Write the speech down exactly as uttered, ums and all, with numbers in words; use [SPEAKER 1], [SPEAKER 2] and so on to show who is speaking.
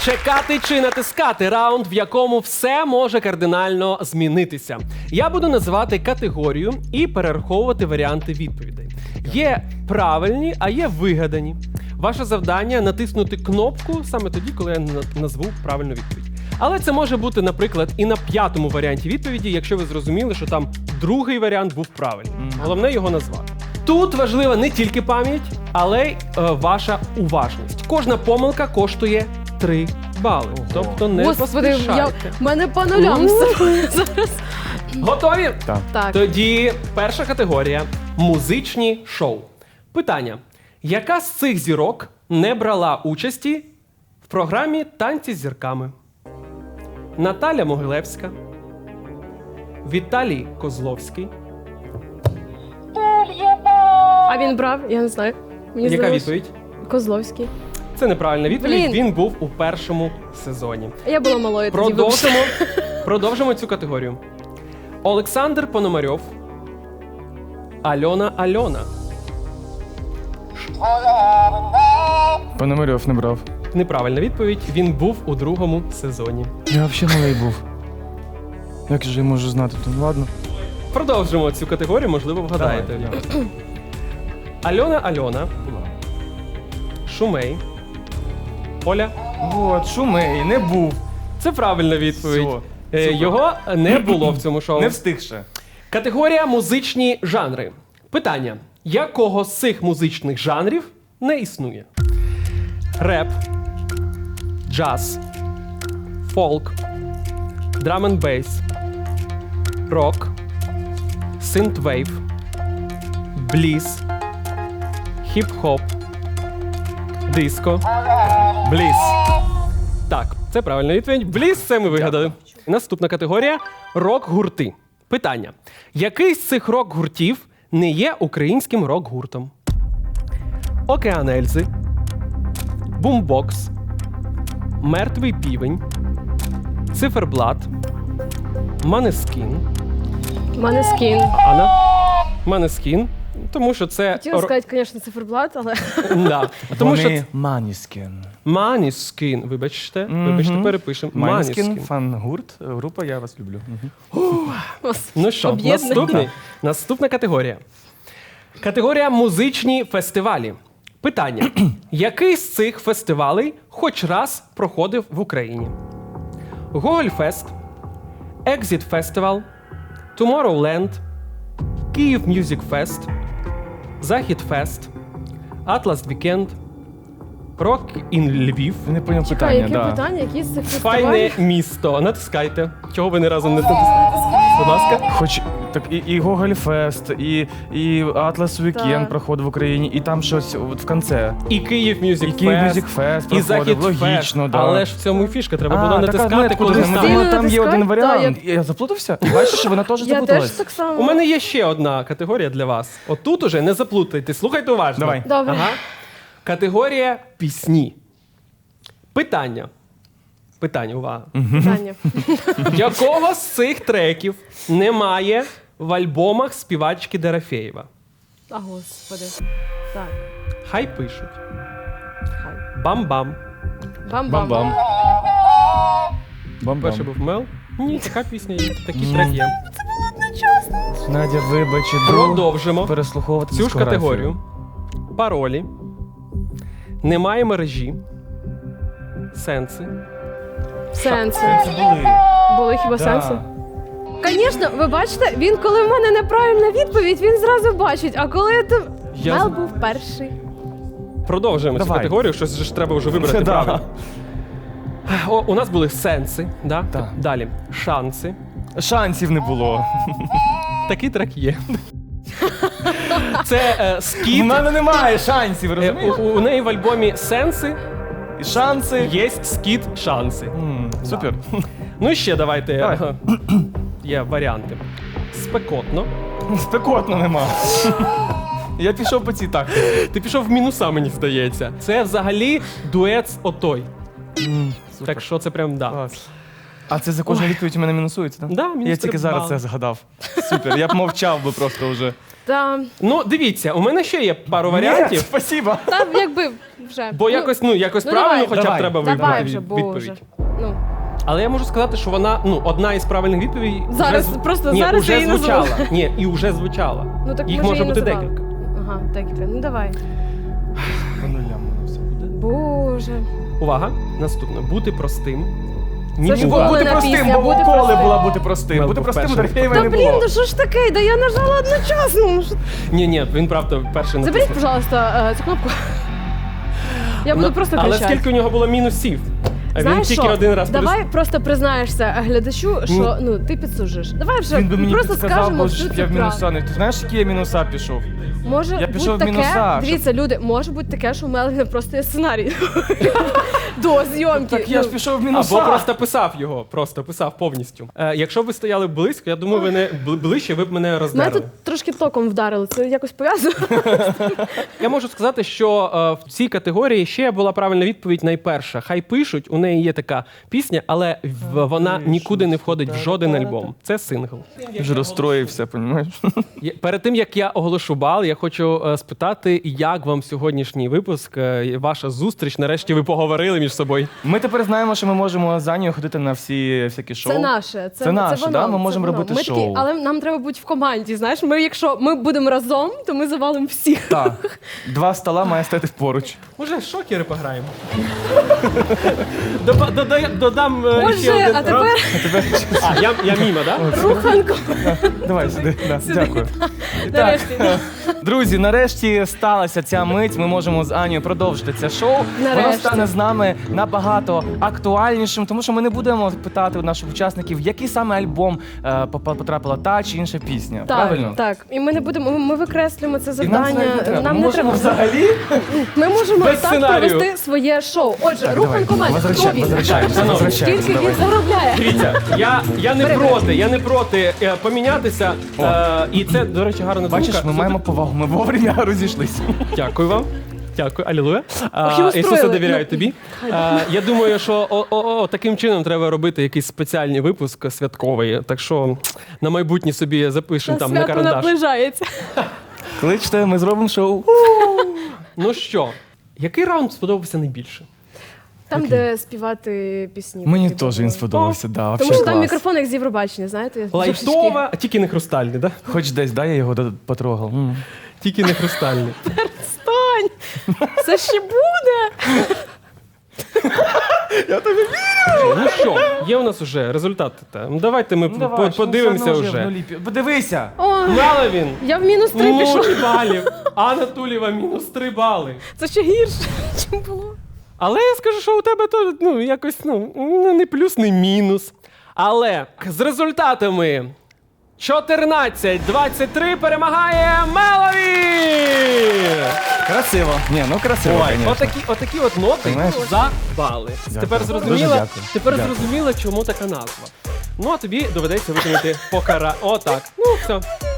[SPEAKER 1] Чекати чи натискати раунд, в якому все може кардинально змінитися. Я буду називати категорію і перераховувати варіанти відповідей. Є правильні, а є вигадані. Ваше завдання – натиснути кнопку саме тоді, коли я на- назву правильну відповідь. Але це може бути, наприклад, і на п'ятому варіанті відповіді, якщо ви зрозуміли, що там другий варіант був правильний. Головне його назвати. Тут важлива не тільки пам'ять, але й е, ваша уважність. Кожна помилка коштує три бали. Тобто не
[SPEAKER 2] Господи, я...
[SPEAKER 1] поспішайте.
[SPEAKER 2] в мене по нулям все зараз.
[SPEAKER 1] Готові?
[SPEAKER 3] Так.
[SPEAKER 2] Так.
[SPEAKER 1] Тоді перша категорія – музичні шоу. Питання. Яка з цих зірок не брала участі в програмі «Танці з зірками»? Наталя Могилевська, Віталій Козловський.
[SPEAKER 2] А він брав? Я не знаю. Мені
[SPEAKER 1] Яка
[SPEAKER 2] здалось,
[SPEAKER 1] відповідь?
[SPEAKER 2] Козловський.
[SPEAKER 1] Це неправильна відповідь.
[SPEAKER 2] Блін.
[SPEAKER 1] Він був у першому сезоні.
[SPEAKER 2] Я була малою тоді.
[SPEAKER 1] Продовжимо, продовжимо цю категорію. Олександр Пономарьов, Альона Альона.
[SPEAKER 3] Пономарьов не брав.
[SPEAKER 1] Неправильна відповідь. Він був у другому сезоні.
[SPEAKER 3] Я взагалі малий був. Як же я можу знати? То ладно.
[SPEAKER 1] Продовжимо цю категорію, можливо, вгадаєте.
[SPEAKER 3] Давай.
[SPEAKER 1] Альона Альона, Шумей, Оля.
[SPEAKER 3] От, Шумей, не був.
[SPEAKER 1] Це правильна відповідь.
[SPEAKER 3] Всьо.
[SPEAKER 1] Е,
[SPEAKER 3] Супер.
[SPEAKER 1] Його не було в цьому шоу.
[SPEAKER 3] Не встиг ще.
[SPEAKER 1] Категорія музичні жанри. Питання. Якого з цих музичних жанрів не існує? Реп, джаз, фолк, драм н бейс, рок, синтвейв, бліз, хіп-хоп, диско, бліз. Так, це правильна відповідь. Бліз, це ми вигадали. Наступна категорія – рок-гурти. Питання. Який з цих рок-гуртів не є українським рок-гуртом? Океан Ельзи, Бумбокс, Мертвий півень, Циферблат, Манескін.
[SPEAKER 2] Манескін.
[SPEAKER 1] Анна? Манескін. Тому що це...
[SPEAKER 2] Хотіла сказати, звісно, циферблат, але...
[SPEAKER 1] Да. Тому що...
[SPEAKER 3] Вони
[SPEAKER 1] це-
[SPEAKER 3] Маніскін.
[SPEAKER 1] Манескін. Вибачте. Вибачте, перепишемо.
[SPEAKER 3] Маніскін,
[SPEAKER 1] Манескін.
[SPEAKER 3] фан-гурт, група «Я вас люблю». Мгм.
[SPEAKER 1] Ну що,
[SPEAKER 2] Об'єднання.
[SPEAKER 1] наступний, наступна категорія. Категорія музичні фестивалі. Питання. Який з цих фестивалей хоч раз проходив в Україні? Гогольфест, Екзіт Фестивал, Tomorrowland, Київ Мюзик Фест, Захід Фест, Атлас Вікенд, Рок ін Львів.
[SPEAKER 3] Не поняв
[SPEAKER 2] Чекай,
[SPEAKER 3] питання,
[SPEAKER 2] яке
[SPEAKER 3] да.
[SPEAKER 2] питання? Які з цих
[SPEAKER 1] Файне
[SPEAKER 2] фестивалів?
[SPEAKER 1] місто. Натискайте. Чого ви не разом не натискаєте? Будь ласка.
[SPEAKER 3] Хоч так і, і Гогольфест, і, і Атлас Вікенд
[SPEAKER 2] Так.
[SPEAKER 3] проходив в Україні, і там щось от в кінці.
[SPEAKER 1] І Київ Мюзик
[SPEAKER 3] І
[SPEAKER 1] Фест.
[SPEAKER 3] Київ Мюзик Фест
[SPEAKER 1] І
[SPEAKER 3] проходив,
[SPEAKER 1] Захід
[SPEAKER 3] логічно,
[SPEAKER 1] Фест.
[SPEAKER 3] да.
[SPEAKER 1] Але ж в цьому і фішка, треба було
[SPEAKER 3] А,
[SPEAKER 1] натискати,
[SPEAKER 3] так,
[SPEAKER 1] коли
[SPEAKER 3] куди?
[SPEAKER 1] ставили.
[SPEAKER 3] Можливо, там є
[SPEAKER 2] натискай?
[SPEAKER 3] один варіант.
[SPEAKER 2] Та,
[SPEAKER 3] Я заплутався? Бачиш, вона теж
[SPEAKER 2] Я теж
[SPEAKER 3] заплуталась.
[SPEAKER 2] так само.
[SPEAKER 1] У мене є ще одна категорія для вас. Отут уже не заплутайте, слухайте уважно.
[SPEAKER 3] Давай.
[SPEAKER 2] Добре.
[SPEAKER 1] Ага. Категорія пісні. Питання. Питання, увага.
[SPEAKER 2] Питання.
[SPEAKER 1] Якого з цих треків немає в альбомах співачки Дорофєєва?
[SPEAKER 2] А, господи. Так.
[SPEAKER 1] Хай пишуть.
[SPEAKER 2] Хай.
[SPEAKER 1] Бам-бам.
[SPEAKER 2] Бам-бам.
[SPEAKER 3] Бам-бам. Бам-бам.
[SPEAKER 1] Перший був Мел. Ні, така пісня є, такий трек є.
[SPEAKER 3] Надя, вибач, іду
[SPEAKER 1] Продовжимо
[SPEAKER 3] переслуховувати
[SPEAKER 1] цю ж
[SPEAKER 3] дискографію.
[SPEAKER 1] категорію. Паролі. Немає мережі. Сенси.
[SPEAKER 2] Сенси.
[SPEAKER 3] Це були.
[SPEAKER 2] Були хіба
[SPEAKER 3] Да.
[SPEAKER 2] сенси? Звісно, ви бачите, він, коли в мене неправильна відповідь, він зразу бачить. А коли то
[SPEAKER 1] Я
[SPEAKER 2] Мел
[SPEAKER 1] з-
[SPEAKER 2] був перший.
[SPEAKER 1] Продовжуємо цю
[SPEAKER 3] Давай.
[SPEAKER 1] категорію, щось же ж треба вже вибрати
[SPEAKER 3] Да.
[SPEAKER 1] правильно. О, у нас були сенси, да?
[SPEAKER 3] Да.
[SPEAKER 1] Далі шанси.
[SPEAKER 3] Шансів не було.
[SPEAKER 1] Такий трек є. Це е,
[SPEAKER 3] У
[SPEAKER 1] скіт.
[SPEAKER 3] мене немає шансів,
[SPEAKER 1] Е,
[SPEAKER 3] розумієш?
[SPEAKER 1] у, у неї в альбомі сенси
[SPEAKER 3] І шанси.
[SPEAKER 1] є скіт шанси.
[SPEAKER 3] М, Супер.
[SPEAKER 1] Ну і ще давайте.
[SPEAKER 3] Давай.
[SPEAKER 1] е, Є варіанти. Спекотно.
[SPEAKER 3] Спекотно нема. Я пішов по цій так.
[SPEAKER 1] Ти пішов в мінуса, мені здається. Це взагалі дует з отой. Так що це прям да.
[SPEAKER 3] Клас. А це за кожну відповідь у мене мінусується, так?
[SPEAKER 1] Да, мінус
[SPEAKER 3] Я
[SPEAKER 1] три
[SPEAKER 3] тільки зараз
[SPEAKER 1] бали.
[SPEAKER 3] це згадав. Супер, я б мовчав би просто вже.
[SPEAKER 2] Та,
[SPEAKER 1] Ну, дивіться, у мене ще є пару
[SPEAKER 3] Ні,
[SPEAKER 1] варіантів.
[SPEAKER 3] спасибо.
[SPEAKER 2] та якби вже.
[SPEAKER 1] Бо якось, ну, якось
[SPEAKER 2] ну,
[SPEAKER 1] правильно
[SPEAKER 2] давай.
[SPEAKER 1] хоча б
[SPEAKER 3] Давай.
[SPEAKER 1] треба
[SPEAKER 2] Давай
[SPEAKER 1] вибрати
[SPEAKER 2] вже,
[SPEAKER 1] від-
[SPEAKER 2] боже.
[SPEAKER 1] відповідь.
[SPEAKER 2] Ну,
[SPEAKER 1] Але я можу сказати, що вона, ну, одна із правильних відповідей.
[SPEAKER 2] Зараз,
[SPEAKER 1] вже зв-
[SPEAKER 2] просто
[SPEAKER 1] Ні,
[SPEAKER 2] зараз
[SPEAKER 1] уже
[SPEAKER 2] я її назву.
[SPEAKER 1] звучала. Ні, і вже звучала.
[SPEAKER 2] ну так
[SPEAKER 1] Їх
[SPEAKER 2] може
[SPEAKER 1] може
[SPEAKER 2] її
[SPEAKER 1] бути
[SPEAKER 2] називали.
[SPEAKER 1] декілька.
[SPEAKER 2] Ага, декілька. Ну давай.
[SPEAKER 3] По нулям воно все буде.
[SPEAKER 2] Боже.
[SPEAKER 1] Увага, наступне. Бути простим.
[SPEAKER 2] Це ж
[SPEAKER 1] Ніколи.
[SPEAKER 2] була
[SPEAKER 3] Бути
[SPEAKER 2] на
[SPEAKER 3] простим,
[SPEAKER 2] пісня,
[SPEAKER 3] бо
[SPEAKER 2] бути
[SPEAKER 3] коли
[SPEAKER 2] простим.
[SPEAKER 3] була бути простим.
[SPEAKER 1] Мелко
[SPEAKER 3] Бути простим у
[SPEAKER 1] вперше.
[SPEAKER 3] Дорофєєва
[SPEAKER 2] Та
[SPEAKER 3] не
[SPEAKER 2] блін,
[SPEAKER 3] було.
[SPEAKER 2] ну що ж таке? Да я нажала одночасно. Ну, що-
[SPEAKER 1] Ні, ні, він правда перший
[SPEAKER 2] Заберіть,
[SPEAKER 1] натиснув.
[SPEAKER 2] пожалуйста, е, цю кнопку. Я буду
[SPEAKER 1] Ну,
[SPEAKER 2] просто
[SPEAKER 1] Але
[SPEAKER 2] кричати.
[SPEAKER 1] скільки у нього було мінусів? А він
[SPEAKER 2] Знаєш
[SPEAKER 1] тільки
[SPEAKER 2] що?
[SPEAKER 1] один раз
[SPEAKER 2] Давай
[SPEAKER 1] плюс.
[SPEAKER 2] просто признаєшся глядачу, що
[SPEAKER 1] Ні.
[SPEAKER 2] ну ти підсужиш. Давай вже
[SPEAKER 3] Він би мені
[SPEAKER 2] просто
[SPEAKER 3] підсказав,
[SPEAKER 2] скажемо
[SPEAKER 3] бо
[SPEAKER 2] всю
[SPEAKER 3] ж
[SPEAKER 2] цю
[SPEAKER 3] я в мінуса
[SPEAKER 2] правду.
[SPEAKER 3] не... Ти знаєш, які я мінуса пішов?
[SPEAKER 2] Може
[SPEAKER 3] Я пішов в
[SPEAKER 2] бути
[SPEAKER 3] мінуса,
[SPEAKER 2] таке,
[SPEAKER 3] щоб-
[SPEAKER 2] дивіться, люди, може бути таке, що у Мелвіна просто є сценарій до зйомки.
[SPEAKER 3] Так я ж
[SPEAKER 2] Ну,
[SPEAKER 3] пішов в мінуса.
[SPEAKER 1] Або просто писав його, просто писав повністю. Е, якщо б ви стояли близько, я думаю, ви не бли- ближче, ви б мене
[SPEAKER 2] Мене
[SPEAKER 1] роздерли.
[SPEAKER 2] тут трошки током вдарили, це якось пов'язано.
[SPEAKER 1] Я можу сказати, що е, в цій категорії ще була правильна відповідь найперша. Хай пишуть, у неї є така пісня, але в, вона нікуди не входить в жоден альбом. Це сингл.
[SPEAKER 3] Я вже розстроївся, розумієш?
[SPEAKER 1] Є- Перед тим як я оголошу бал, я хочу е, спитати, як вам сьогоднішній випуск, е, ваша зустріч. Нарешті ви поговорили між собою.
[SPEAKER 3] Ми тепер знаємо, що ми можемо з Анією ходити на всі всякі шоу.
[SPEAKER 2] Це наше. Це,
[SPEAKER 3] Це наше,
[SPEAKER 2] воно,
[SPEAKER 3] да? Ми
[SPEAKER 2] це
[SPEAKER 3] можемо
[SPEAKER 2] воно.
[SPEAKER 3] робити
[SPEAKER 2] ми
[SPEAKER 3] шоу.
[SPEAKER 2] Такі, але нам треба бути в команді. Знаєш, ми, якщо ми будемо разом, то ми завалимо всіх.
[SPEAKER 3] Так. Два стола має стати поруч.
[SPEAKER 1] Може, шокери пограємо? Доба- додай- Додам е, ще
[SPEAKER 2] Боже,
[SPEAKER 1] один
[SPEAKER 2] а
[SPEAKER 1] раунд.
[SPEAKER 2] тепер
[SPEAKER 1] А, я, я міма, так? Да?
[SPEAKER 2] руханко.
[SPEAKER 3] Давай сюди. Да, дякую.
[SPEAKER 2] Нарешті.
[SPEAKER 3] Друзі, нарешті сталася ця мить. Ми можемо з Анією продовжити це шоу. Воно
[SPEAKER 2] Нарешті.
[SPEAKER 3] стане з нами набагато актуальнішим, тому що ми не будемо питати у наших учасників, який саме альбом е, поп- потрапила та чи інша пісня.
[SPEAKER 2] Так,
[SPEAKER 3] Правильно?
[SPEAKER 2] так. І ми не будемо. Ми, ми викреслюємо це
[SPEAKER 3] І нам це
[SPEAKER 2] завдання.
[SPEAKER 3] навіть не треба.
[SPEAKER 2] Нам
[SPEAKER 3] Ми
[SPEAKER 2] не
[SPEAKER 3] можемо
[SPEAKER 2] треба.
[SPEAKER 3] взагалі.
[SPEAKER 2] Ми можемо
[SPEAKER 1] Без
[SPEAKER 2] так
[SPEAKER 1] сценарію.
[SPEAKER 2] провести своє шоу. Отже,
[SPEAKER 3] Так,
[SPEAKER 2] руханко
[SPEAKER 3] давай,
[SPEAKER 2] мене. Хто
[SPEAKER 3] возвращай-
[SPEAKER 2] він?
[SPEAKER 3] возвращаємося,
[SPEAKER 1] Шановні,
[SPEAKER 3] возвращаємося,
[SPEAKER 2] Скільки
[SPEAKER 3] давай.
[SPEAKER 2] він заробляє?
[SPEAKER 1] Дивіться, я, я не проти, я не проти е, помінятися. Е, і це, до речі, гарна думка.
[SPEAKER 3] Бачиш, ми маємо повагу, ми вовремя розійшлися.
[SPEAKER 1] Дякую вам. Дякую, алілуя. А,
[SPEAKER 2] Ох, і устроїли.
[SPEAKER 1] Ісусе, довіряю
[SPEAKER 2] Ну,
[SPEAKER 1] тобі. А, я думаю, що о, о, о, таким чином треба робити якийсь спеціальний випуск святковий. Так що на майбутнє собі запишемо там на
[SPEAKER 2] Свято
[SPEAKER 1] карандаш.
[SPEAKER 2] наближається.
[SPEAKER 3] Кличте, ми зробимо шоу.
[SPEAKER 1] Ну що, який раунд сподобався найбільше?
[SPEAKER 2] Там, де співати пісні.
[SPEAKER 3] Мені
[SPEAKER 2] Типу,
[SPEAKER 3] теж він сподобався, да,
[SPEAKER 2] Тому
[SPEAKER 3] вообще
[SPEAKER 2] що там
[SPEAKER 3] клас.
[SPEAKER 2] мікрофон як з Євробачення, знаєте?
[SPEAKER 1] Лайтова, а тільки не хрустальний, да?
[SPEAKER 3] Хоч десь, да, я його до- потрогав. М.
[SPEAKER 1] Тільки не хрустальний.
[SPEAKER 2] Стань! Це ще буде!
[SPEAKER 1] Ну що, є у нас вже результати. Та. Ну, давайте ми
[SPEAKER 3] Ну,
[SPEAKER 1] по-
[SPEAKER 3] давай, що
[SPEAKER 1] подивимося
[SPEAKER 3] все одно в
[SPEAKER 1] вже.
[SPEAKER 3] нулі пі- Подивися!
[SPEAKER 2] О,
[SPEAKER 1] Мало він.
[SPEAKER 2] я в мінус три
[SPEAKER 1] Нуль
[SPEAKER 2] пішла.
[SPEAKER 1] балів. Анна Тулєва мінус три бали.
[SPEAKER 2] Це ще гірше, чим було.
[SPEAKER 1] Але я скажу, що у тебе то ну, якось ну, ну, не плюс, не мінус. Але з результатами чотирнадцять двадцять три перемагає Мелові!
[SPEAKER 3] Красиво. Ні, ну красиво,
[SPEAKER 1] Ой,
[SPEAKER 3] конечно.
[SPEAKER 1] отакі, отакі от ноти
[SPEAKER 3] Понимаєш?
[SPEAKER 1] за бали.
[SPEAKER 3] Дякую.
[SPEAKER 1] Тепер
[SPEAKER 3] Дуже
[SPEAKER 1] зрозуміло,
[SPEAKER 3] дякую.
[SPEAKER 1] тепер
[SPEAKER 3] Дякую.
[SPEAKER 1] зрозуміло, чому така назва. Ну а тобі доведеться виконати покара. Отак. Ну все.